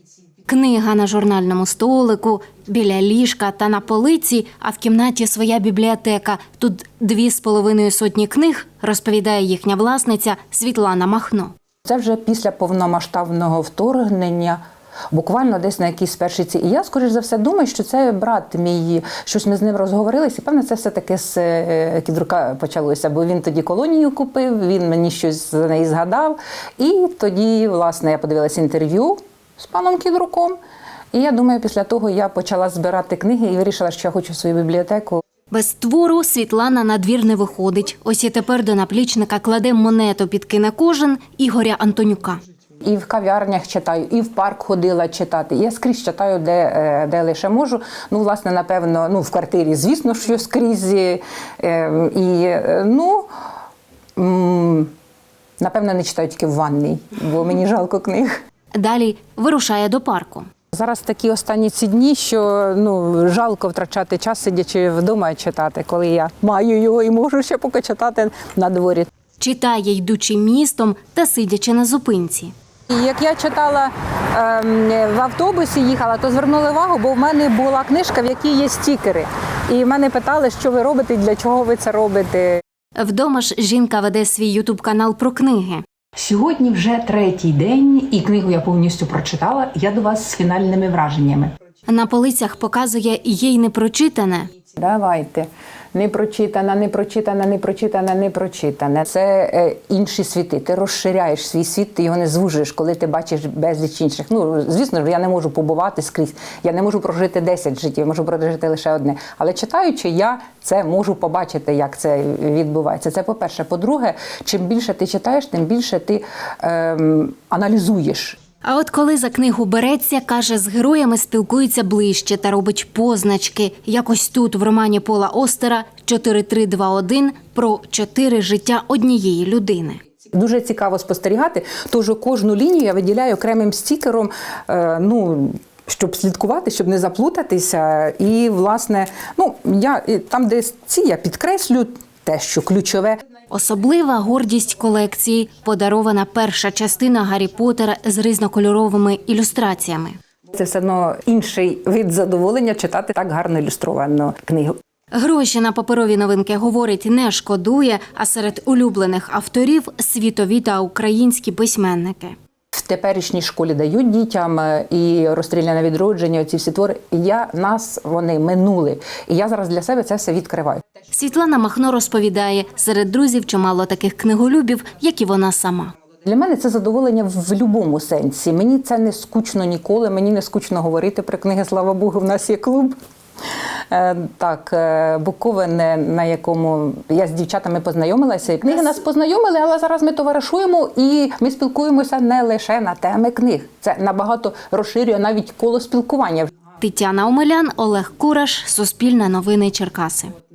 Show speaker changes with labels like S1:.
S1: Книга на журнальному столику, біля ліжка та на полиці, а в кімнаті своя бібліотека. Тут 2,5 сотні книг, розповідає їхня власниця Світлана Махно.
S2: Це вже після повномасштабного вторгнення, буквально десь на якійсь першій ці. І я, скоріш за все, думаю, що це брат мій, щось ми з ним розговорилися. І, певно, це все-таки з Кідрука почалося, бо він тоді колонію купив, він мені щось за неї згадав. І тоді, власне, я подивилася інтерв'ю з паном Кідруком. І я думаю, після того я почала збирати книги і вирішила, що я хочу свою бібліотеку.
S1: Без твору Світлана на двір не виходить. Ось і тепер до наплічника кладе монету під кінокожин Ігоря Антонюка.
S2: І в кав'ярнях читаю, і в парк ходила читати. Я скрізь читаю, де лише можу. Ну, власне, напевно, в квартирі, звісно, що скрізь. Напевно, не читаю тільки в ванній, бо мені жалко книг.
S1: Далі вирушає до парку.
S2: Зараз такі останні ці дні, що жалко втрачати час, сидячи вдома і читати, коли я маю його і можу ще поки читати на дворі.
S1: Читає, йдучи містом та сидячи на зупинці.
S2: Як я читала в автобусі, їхала, то звернули увагу, бо в мене була книжка, в якій є стікери. І мене питали, що ви робите, для чого ви це робите.
S1: Вдома ж жінка веде свій ютуб-канал про книги.
S3: Сьогодні вже 3-й день, і книгу я повністю прочитала. Я до вас з фінальними враженнями.
S1: На полицях показує їй непрочитане.
S2: Давайте. Непрочитане. Це інші світи. Ти розширяєш свій світ, ти його не звужуєш, коли ти бачиш безліч інших. Звісно, я не можу побувати скрізь. Я не можу прожити 10 життів, я можу прожити лише одне. Але читаючи, я це можу побачити, як це відбувається. Це по-перше. По-друге, чим більше ти читаєш, тим більше ти аналізуєш.
S1: А от коли за книгу береться, каже, з героями спілкується ближче та робить позначки. Якось тут, в романі Пола Остера «4321» про 4 життя однієї людини.
S2: Дуже цікаво спостерігати, тож кожну лінію я виділяю окремим стікером, щоб слідкувати, щоб не заплутатися. І, власне, там, де я підкреслю те, що ключове.
S1: Особлива гордість колекції – подарована перша частина «Гаррі Поттера» з різнокольоровими ілюстраціями.
S2: Це все одно інший вид задоволення читати так гарно ілюстровану книгу.
S1: Гроші на паперові новинки, говорить, не шкодує, а серед улюблених авторів – світові та українські письменники.
S2: В теперішній школі дають дітям і «Розстріляне відродження», оці всі твори. Вони минули. І я зараз для себе це все відкриваю.
S1: Світлана Махно розповідає, серед друзів чимало таких книголюбів, як і вона сама.
S2: Для мене це задоволення в будь-якому сенсі. Мені це не скучно ніколи, мені не скучно говорити про книги, слава Богу, в нас є клуб. Буковин, на якому я з дівчатами познайомилася. Книги нас познайомили, але зараз ми товаришуємо і ми спілкуємося не лише на теми книг. Це набагато розширює навіть коло спілкування.
S1: Тетяна Омелян, Олег Кураш, Суспільне новини Черкаси.